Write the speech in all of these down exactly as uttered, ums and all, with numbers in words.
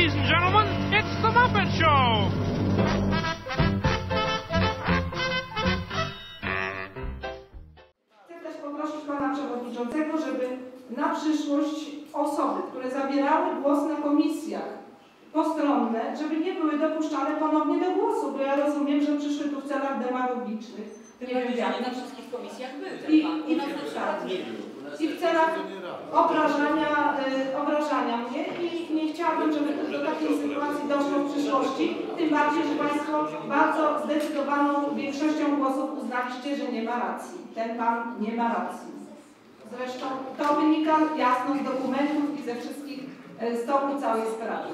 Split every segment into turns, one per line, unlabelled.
Ladies and gentlemen, it's the Muppet Show!
Chcę też poprosić pana przewodniczącego, żeby na przyszłość osoby, które zabierały głos na komisjach postronne, żeby nie były dopuszczane ponownie do głosu, bo ja rozumiem, że przyszły tu w celach demagogicznych.
Nie wiem, jak na wszystkich komisjach był ten
I,
pan.
i,
U nas na przykład nie był.
I w celach obrażania, y, obrażania mnie i nie chciałabym, żeby do takiej sytuacji doszło w przyszłości, tym bardziej, że państwo bardzo zdecydowaną większością głosów uznaliście, że nie ma racji. Ten pan nie ma racji. Zresztą to wynika jasno z dokumentów i ze wszystkich y, z toku całej sprawy.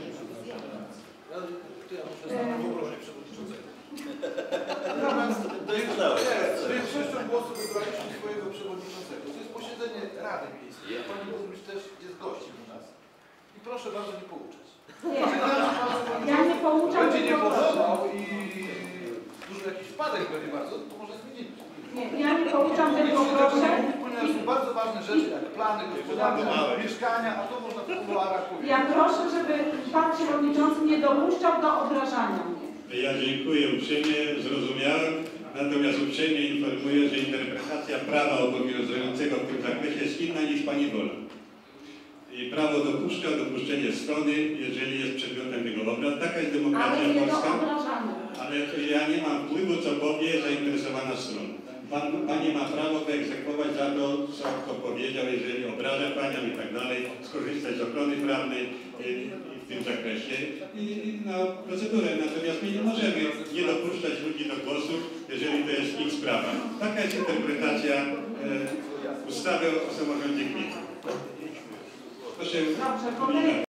Z większością głosów wybraliśmy swojego przewodniczącego. To jest posiedzenie Rady Miejskiej. Pani burmistrz też jest gościem u nas. I proszę bardzo nie pouczać.
Nie, ja nie pouczam.
Będzie nie podobał i duży jakiś wpadek będzie bardzo, to może zmienimy.
Nie, ja nie pouczam, tylko proszę.
Ponieważ są bardzo ważne rzeczy, jak plany gospodarcze, mieszkania, a to można w kuluarach powiedzieć.
Ja proszę, żeby pan przewodniczący nie dopuszczał do obrażania mnie.
Ja dziękuję uprzejmie, zrozumiałem, natomiast uprzejmie informuję, że interpretacja prawa obowiązującego w tym zakresie jest inna niż pani wola. I prawo dopuszcza dopuszczenie strony, jeżeli jest przedmiotem tego obrad. Taka jest demokracja
Ale nie
polska.
do obrażania.
Ale to ja nie mam wpływu, co powie zainteresowana strona. Pan, pani ma prawo wyegzekwować za to, co kto powiedział, jeżeli obraża panią i tak dalej, skorzystać z ochrony prawnej i, w tym zakresie i, i na procedurę. Natomiast my nie możemy nie dopuszczać ludzi do głosu, jeżeli to jest ich sprawa. Taka jest interpretacja e, ustawy o samorządzie gminy. Proszę.
Dobrze,